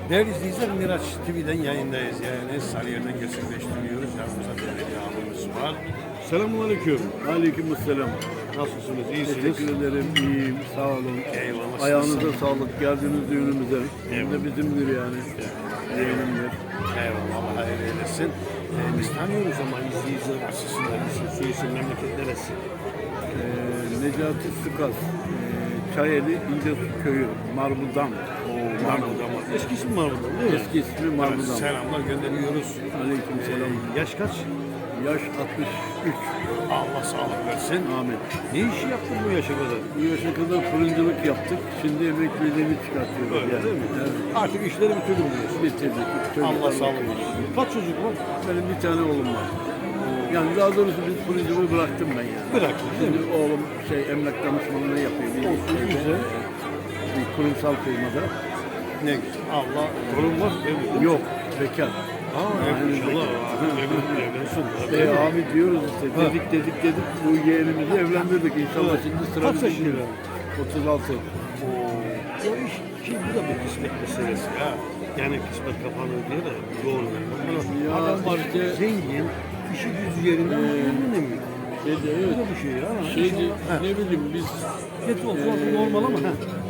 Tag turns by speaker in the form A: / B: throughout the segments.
A: Değerli izleyiciler, Miraç TV'den yayındayız. Yani Sarıyer'den gerçekleştiriyoruz. Yanımızda belediye abimiz var. Selamünaleyküm.
B: Aleykümselam.
A: Nasılsınız? İyisiniz?
B: Teşekkür ederim. İyiyim. Sağ olun.
A: Eyvallah.
B: Ayağınıza sağlık. Geldiniz düğünümüze. Hem
A: Eyvallah.
B: de bizimdir yani. Yeğenimdir.
A: Eyvallah. Allah hayır eylesin. Biz tanıyoruz ama izleyiciler açısından su isim memleket neresi?
B: Necati Sukaz. Çayeli İncesu Köyü. Marbudan.
A: Marmur'da mı? Eski isim Marmur'da değil mi?
B: Eski ismi
A: Evet,
B: Marbudan.
A: selamlar gönderiyoruz.
B: Aleykümselam.
A: Yaş kaç?
B: Yaş 63.
A: Allah sağlık versin.
B: Amin.
A: Ne işi yaptın bu yaşa kadar?
B: Bu yaşa kadar fırıncılık yaptık. Şimdi emekliliğini çıkartıyoruz.
A: Öyle
B: yani.
A: değil mi?
B: Evet.
A: Artık işleri bitirdim diyorsun.
B: Bitirdik.
A: Allah
B: Çocuklar
A: sağlık
B: bakıyoruz.
A: versin. Kaç çocuk var?
B: Benim bir tane oğlum var. Yani daha doğrusu biz fırıncılığı bıraktım ben yani.
A: Bıraktın değil
B: Şimdi
A: mi?
B: oğlum emlak danışmanlığı yapıyor. Bir
A: Olsun, güzel.
B: Bir kurumsal firmada.
A: Ne güzel. Allah torun var değil mi?
B: Yok, bekar.
A: İnşallah. Evlensin.
B: Abi diyoruz işte dedik bu yeğenimizi evlendirdik. İnşallah şimdi sıra
A: Kaç
B: bize
A: yaşında?
B: geliyor. 36.
A: O iş, şimdi bu da bir kısmet meselesi ya. Yani kısmet kapanır diye de doğru.
B: Ya
A: Adam var
B: işte-
A: zengin, işi gücü yerinde ama evlenemiyor.
B: Şeyde
A: Bu
B: evet.
A: da bir şey ya.
B: Şeydi,
A: İnşallah.
B: ne bileyim biz
A: Geç olsun normal ama.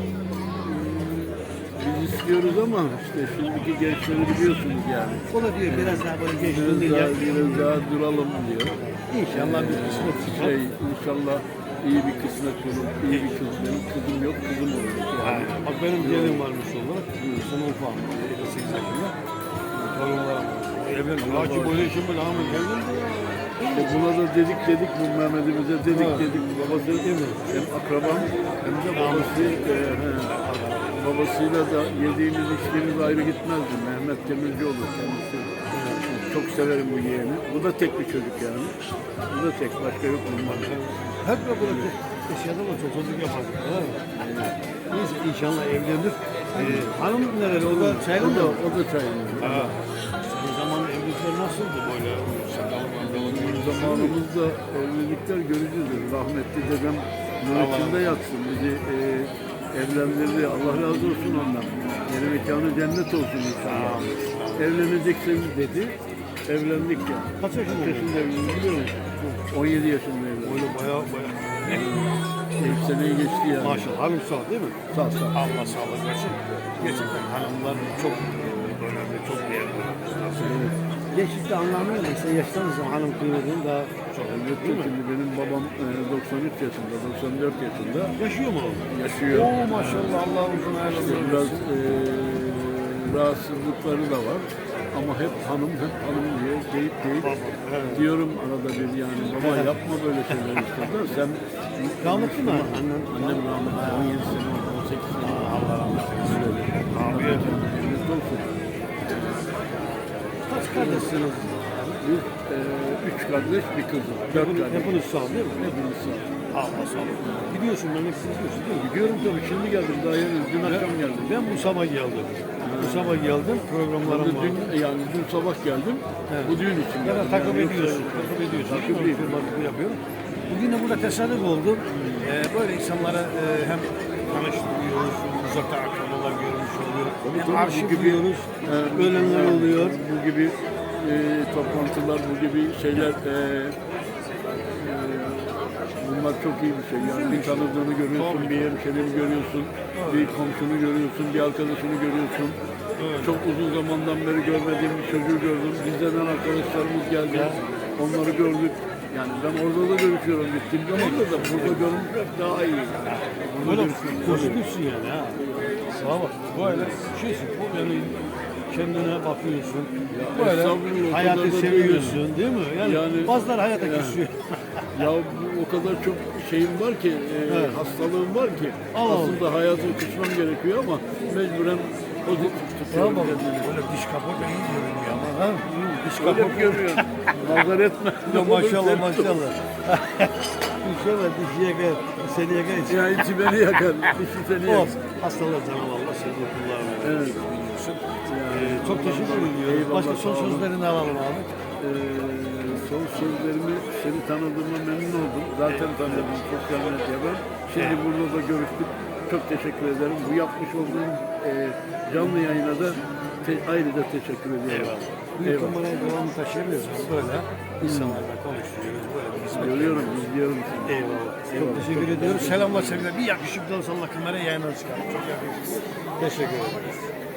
B: biz istiyoruz ama işte şimdiki gençleri biliyorsunuz yani.
A: O da diyor biraz daha böyle
B: Biraz
A: gençliğinde
B: daha,
A: ya.
B: biraz daha duralım diyor.
A: İnşallah bir kısmet çıkar.
B: İnşallah iyi bir kısmet olur, iyi bir kız. Benim kızım yok, kızım olur. Yani.
A: Bak benim yeğenim varmış olarak. Sana ufağım. 8 yaşında. Torunlarım var. Evlendi. Hacı böyle işin böyle Ahmet evlendi ya.
B: Buna da dedik bu Mehmet'imize dedik babası hem akrabam hem de babasıyla da yediğimiz içtiğimiz ayrı gitmezdi. Mehmet Demircioğlu kendisi. Çok severim bu yeğeni. Bu da tek bir çocuk yani. Bu da tek, başka yok bunlar.
A: Hep de böyle yaşadım ama çocuk yapar. Neyse inşallah evlenir. Hanım nereli? O da çaylı mı?
B: O da çayında.
A: O zaman evlilikler nasıldı böyle?
B: Zamanımızda evlilikler görücüdür. Rahmetli dedem nur içinde yatsın. Bizi evlendirdi. Allah razı olsun ondan. Yeni mekanı cennet olsun inşallah. Evleneceksin dedi. Evlendik ya.
A: Kaç yaşında
B: evlendik biliyor musun? 17 yaşında evlendik.
A: Böyle bayağı.
B: İlk seneyi geçti yani.
A: Maşallah. Hanım sağ değil mi?
B: Sağ.
A: Allah sağlık versin. Gerçekten hanımlar çok önemli, çok değerli. Gençlikte anlamıyla ise yaşlanır zaman hanım kıymetinin daha çok önemli değil mi?
B: Şimdi benim babam 93 yaşında, 94 yaşında.
A: Yaşıyor mu o?
B: Yaşıyor.
A: Oo maşallah Allah uzun hayırlı
B: Biraz rahatsızlıkları da var. Ama hep hanım diye deyip diyorum arada bir yani baba yapma böyle şeyler işte de sen
A: Rahmetli mi?
B: Annem rahmetli 17 sene oldu 18 sene oldu.
A: Allah rahmet eylesin. Abi
B: Cennet olsun.
A: kaç kardeşsiniz?
B: Biz 3 kardeş bir kızım. 4 kardeş.
A: Hepiniz sağ değil mi?
B: Hepimiz sağ.
A: Allah sağlık. Gidiyorsun memlekete gidiyorsun değil mi?
B: Gidiyorum tabii şimdi geldim daha yeni dün akşam geldim.
A: Ben bu sabah geldim. Bu sabah geldim. Programlarım var.
B: Dün sabah geldim.
A: Evet.
B: Bu düğün için
A: Ya da
B: geldim.
A: takip
B: Yani
A: ediyorsun.
B: yoksa-
A: Takip ediyorsun.
B: Takip
A: değil mi?
B: ediyorum.
A: Firmalık yapıyorum. Bugün de burada tesadüf oldu. Böyle insanlara hem tanıştırıyoruz, uzakta akrabalar görmüş oluyor. Hem
B: tabii, bu
A: arşivliyoruz,
B: gibi-
A: ölenler oluyor.
B: Bu gibi toplantılar, bu gibi şeyler bunlar çok iyi bir şey. Yani bir tanıdığını görüyorsun, bir hemşerini görüyorsun, bir komşunu görüyorsun, bir arkadaşını görüyorsun. Çok uzun zamandan beri görmediğim bir çocuğu gördüm. Bizden arkadaşlarımız geldi. Onları gördük. Yani ben orada da görüşüyorum gittiğim zaman da burada görmüşler daha iyi.
A: Böyle pozitifsin yani ha. Sağa bak. Böyle şeysin. Yani kendine bakıyorsun. Böyle
B: estağfurullah, o
A: hayatı
B: kadar da
A: seviyorsun değil mi? Yani bazıları hayata küsüyor.
B: Ya o kadar çok şeyim var ki, hastalığım var ki
A: Allah
B: aslında hayatımı kısmam gerekiyor ama mecburen pozitif tutuyorum
A: Bravo.
B: kendimi.
A: Böyle diş kapı da iyi görünüyor ama ha? Diş
B: Öyle
A: kapı
B: mi görüyorsun? Nazar etme.
A: Ya maşallah maşallah. İnşallah dişi yakar, seni yakar.
B: Ya içi beni yakar, dişi seni yakar.
A: Olsun. Hastalar canım Allah sevdiği kullarına.
B: Evet.
A: Çok teşekkür ediyorum.
B: Eyvallah,
A: Başka son
B: sağ olun.
A: sözlerini alalım abi.
B: Son sözlerimi seni tanıdığıma memnun oldum. Zaten tanıdım sosyal medyadan. Şimdi burada da görüştük. Çok teşekkür ederim. Bu yapmış olduğum canlı yayına da ayrıca teşekkür ediyorum.
A: Eyvallah. Bu kamerayı devamlı taşıyamıyoruz. Böyle insanlarla konuşuyoruz. Böyle bir hizmet.
B: Görüyorum, izliyorum sizi.
A: Eyvallah. Çok teşekkür ediyorum. Selamlar sevgiler. Bir yakışıklı olsa Allah kamerayı yayına çıkar. Çok yakışıklı. Teşekkür ederim.